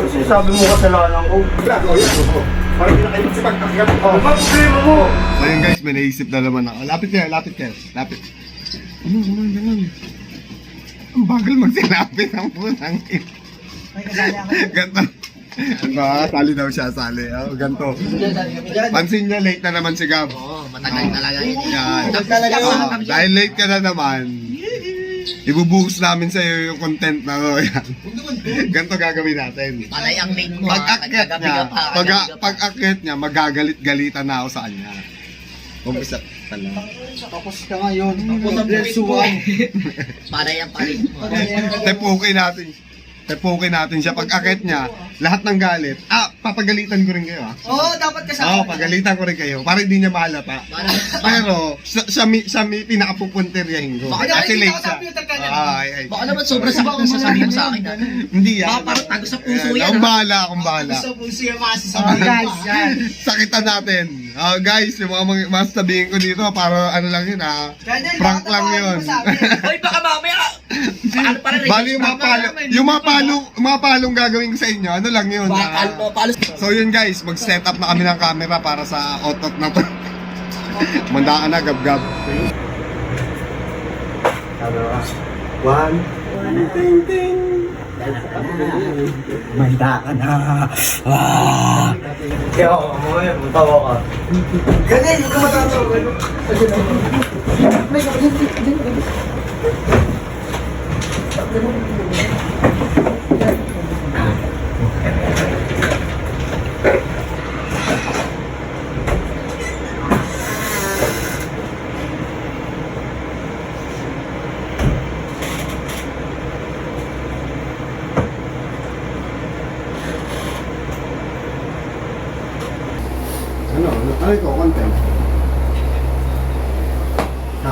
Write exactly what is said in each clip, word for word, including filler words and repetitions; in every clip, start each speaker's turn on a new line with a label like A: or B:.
A: Kasi sabi mo kasalanan ko.
B: Vlog, oh yan, oh. Parang hindi na kayo magsipag-akyat.
A: Oh, ba problema mo?
B: So yun guys, may naisip na naman ako. Lapit kayo, lapit kayo, lapit. Ano, ano, ano, ano? Ang bagal magsilapit ang punang ina. Ganto. Ba, sali daw siya, sali. Oh, ganto. Pansin niya, late na naman si Gab.
C: Oo, matagal talaga yun.
B: Yan.
C: Talaga
B: Oh, dahil late ka na naman, ibubuhos namin sa iyo yung content na to. Yan. Ganto gagawin natin.
C: Palay ang late mo. ah.
B: Pag-akyat
C: Kagabi
B: niya,
C: ka pa,
B: pag,
C: kagabi ka pa.
B: pag-akyat niya, magagalit-galitan na ako sa kanya. Umpisa pala.
A: Tapos ka ngayon.
C: Palay ang palit mo.
B: Tepukin natin. Tepukin natin siya. Pag-akyat niya, lahat ng galit. Ah, papagalitan ko rin kayo ah.
A: Oo, dapat
B: Oo, oh, pagalitan ko rin kayo. Para hindi niya mahalata. Pero, siya, siya, mi- siya mi- pinakapupunteryahin ko.
C: Baka
B: Kasi late siya. Ah, ay, ay.
C: Baka naman sobrang sakit na sasabihin mo sa akin. ah.
B: Hindi yan.
C: Baka parang tago sa puso
B: Ayan,
C: yan.
B: Akong
C: ah.
B: bahala, akong bahala.
A: puso yung masasabi. guys, yan.
B: Sakitan natin. Ah, guys, yung mga, mga, mga sabihin ko dito, para ano lang yun ah. Prank lang yun.
C: Hoy, baka mamaya. Paano para rin?
B: Bali yung mga palo, yung mga palo, mga palong gagawin ko sa inyo, ano lang yun.
C: Baka
B: ah.
C: palo, palo.
B: So yun guys, mag-set up na kami ng camera para sa otot na to. Mandaan na, gab-gab. One. Ting, ting.
A: Manda ka na. Ah. Kaya ako, mamaya, matawa ka. Ganyan, yung kumatawa.
B: Ano? Ano ito? Content? Ha?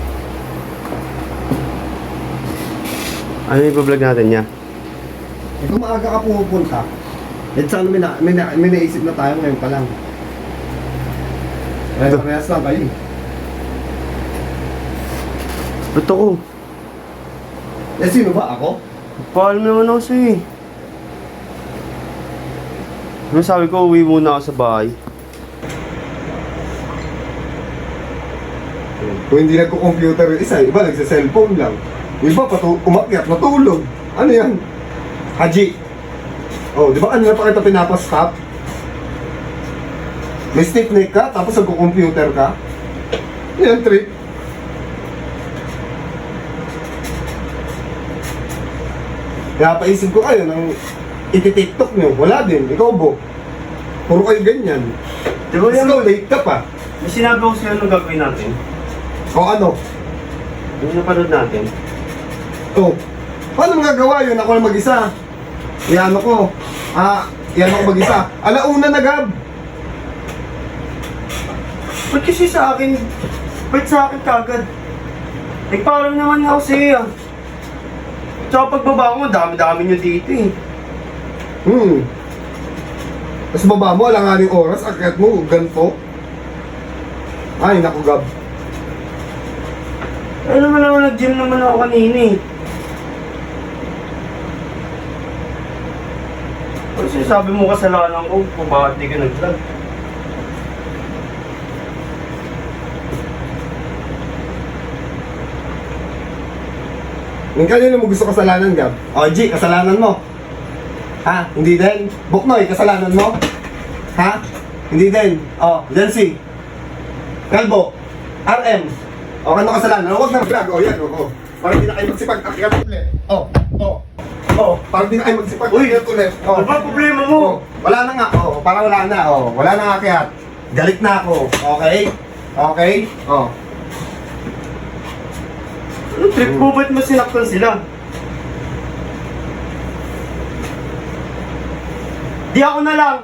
B: Ano yung vlog natin niya? Eh kung maaga ka pumupunta, eh sana may, na, may, na, may naisip na tayo ngayon pa lang. Eh, parehas lang kayo.
D: Ba't ako?
B: Eh sino ba? Ako?
D: Paalam naman ako sa'yo eh. Ano sabi ko, uwi muna ako sa bahay.
B: Kung hindi nagko-computer yung isa, iba nagsa-cellphone lang. Yung iba patu umakyat, natulog. Ano yan? Haji. Oh, di ba kanina pa kita pinapastop? May stiff neck ka, tapos nagko-computer ka? Yan, trip. Kaya paisip ko kayo nang iti-tiktok nyo. Wala din, ikaw bo. Puro kayo ganyan.
D: Di ba
B: Tapos
D: yan?
B: ikaw, late ka pa.
D: May sinabi ko sa'yo anong gagawin natin.
B: O ano?
D: Ano napanood natin?
B: Oh, paano magagawa yun? Ako lang mag-isa. Iyan ko. Ah, iyan ako mag-isa. Alauna na, Gab.
D: Ba't kasi sa akin? Ba't sa akin kagad? Nagpaalam naman ako sa'yo ah. Tsaka pagbaba ko, dami-dami nyo dito eh.
B: Hmm. Tapos baba mo, alanganing oras, akyat mo, ganito. Ay, naku, Gab.
D: Eh naman ako, nag-gym naman ako kanina eh. Kasi sabi mo kasalanan ko kung bakit di ka nag-vlog.
B: Yung kanino mo gusto kasalanan, Gab? O, G, kasalanan mo. Ha? Hindi din? Buknoy, kasalanan mo? Ha? Hindi din? O, Jancy. Kalbo. R M. O, ano kasalanan? Huwag na vlog. O, yan, o. o. Parang di na kayo magsipag-akyat ulit. O, o. O, parang di na kayo magsipag-akyat ulit. O.
D: Ano ba problema mo?
B: O, wala na nga. O, parang wala na. O, wala na nga akyat. Galit na ako. Okay? Okay? O.
D: Ano trip mo? Ba't mo sinaktan sila? Di ako na lang!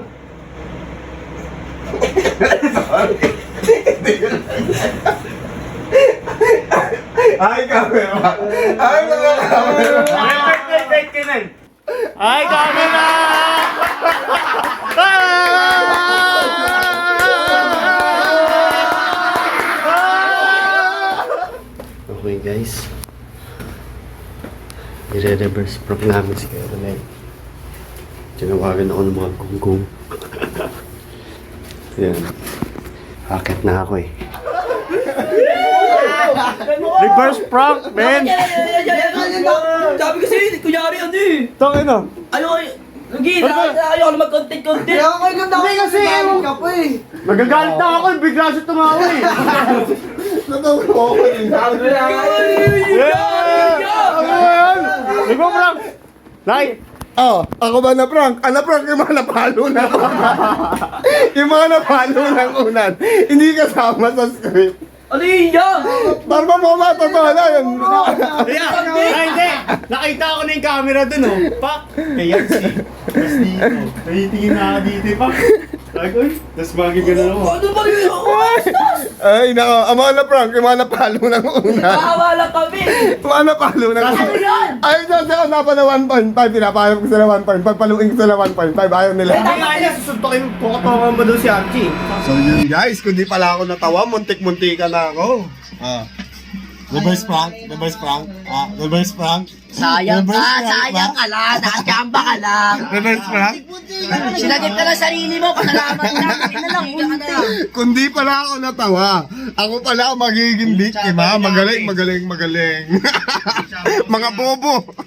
B: Ay, camera! Ay, mga camera!
D: Wait, wait, wait, Kenan! Ay, camera! Okay guys, i-reverse prank namin si Caroline.
B: Tinawagan ako ng mga gunggong. Yan. Hakit na ako eh.
D: Reverse prank, men!
C: Sabi kasi, kunyari ano eh.
D: Tangin na.
C: Ano eh. Lagi, ayaw na mag-content-content.
A: Kaya ako kayo ganda
D: Hindi kasi,
A: Bakit
D: ewan-
A: ka pa eh.
D: Nagagalit na ako, bigla siya tumawa eh.
B: Natawag ako eh.
D: Yeah! Ano ba yan? Ikaw prank! Nay!
B: Oh, ako ba na prank? Ah, na prank yung mga napalo na yung mga napalo ng unan. Hindi kasama sa script.
C: Ano yun yan?
B: Parang mo ba? Totoo na yun.
D: Ayan! Ay, hindi! Nakita ko na yung camera dun oh. Pak! Ayan si. Tapos dito. Nahitingin na ako dito eh, pak. Sabi ko, uy. Tapos bagay ka na ako.
C: Ano ba yun?
B: Ay, nako. Ang mga na-prank, yung mga napalo ng unan.
C: Nakawa lang kami.
B: Yung mga napalo ng
C: Ano
B: unan.
C: yan?
B: Ayaw dyan sila napa na one point five. Pinapahanap ko sila one point five. Paluin ko sila one point five. Ayaw nila.
D: Hindi nga niya, susuntokin ko katawan mo doon si Archie.
B: So yun guys, kung di pala ako natawa, muntik-muntika na ako. Ah. Reverse prank, reverse prank, ah, reverse prank.
C: Sayang
B: Reverse
C: ka,
B: prank
C: sayang
B: ba?
C: ka lang. Nakachamba ka lang.
B: Reverse prank?
C: Sinagit ka na sarili mo. Pasalamat lang. Hindi na lang. Hindi ka na lang.
B: Kung di pala ako natawa, ako pala ang magiging biktima. Magaling, magaling, magaling. Mga bobo.